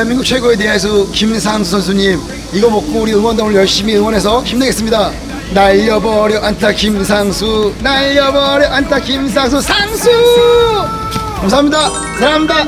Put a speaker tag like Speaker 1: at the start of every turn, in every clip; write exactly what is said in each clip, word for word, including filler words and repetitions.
Speaker 1: 대한민국 최고의 대야수 김상수 선수님, 이거 먹고 우리 응원단을 열심히 응원해서 힘내겠습니다. 날려버려 안타 김상수, 날려버려 안타 김상수, 상수! 감사합니다. 사랑합니다.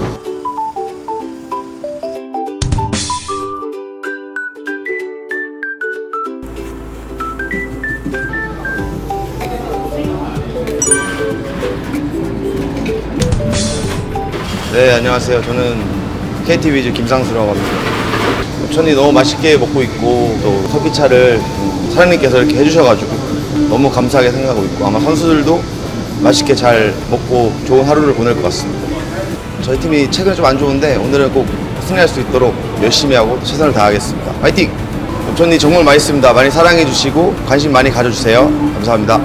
Speaker 2: 네, 안녕하세요. 저는 케이티 위즈 김상수라고 합니다. 옥천이 너무 맛있게 먹고 있고 또 커피차를 사장님께서 이렇게 해주셔가지고 너무 감사하게 생각하고 있고, 아마 선수들도 맛있게 잘 먹고 좋은 하루를 보낼 것 같습니다. 저희 팀이 최근에 좀 안 좋은데 오늘은 꼭 승리할 수 있도록 열심히 하고 최선을 다하겠습니다. 화이팅! 옥천이 정말 맛있습니다. 많이 사랑해 주시고 관심 많이 가져주세요. 감사합니다.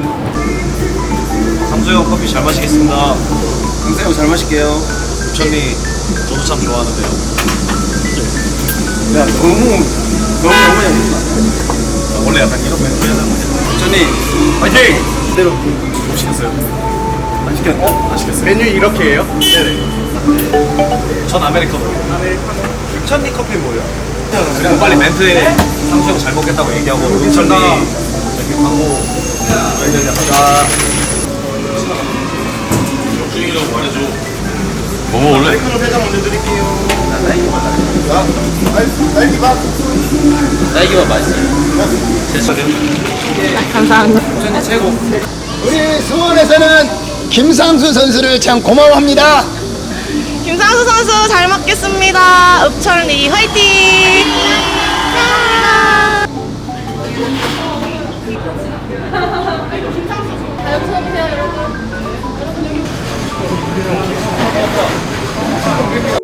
Speaker 3: 상수 형 커피 잘 마시겠습니다. 강세 형 잘 마실게요. 옥천이 저도 참 좋아하는데요. 야, 너무 너무 너무 재밌다. 원래 약간 이런 멘트 하는 거냐. 옥천이 화이팅! 그대로 못 시켰어요. 안 시켰 어? 안 시켰어요. 메뉴 이렇게 해요? 네네. 전 아메리카노. 아메리카노. 옥천이 커피 뭐예요? 그냥 빨리 멘트에 상수 형 잘 먹겠다고 얘기하고 옥천이 이렇게 광고 멘트 하자. 중이라고 말해줘. 뭐 먹을래? 아메리카노 회장 먼저 드릴게요. 자, 딸기맛.
Speaker 4: 딸기맛 맛있어요.
Speaker 3: 됐어요.
Speaker 5: 감사합니다.
Speaker 3: 옥천이 최고.
Speaker 1: 우리 수원에서는 김상수 선수를 참 고마워합니다.
Speaker 5: 김상수 선수 잘 먹겠습니다. 읍천리 화이팅! 감사합니다.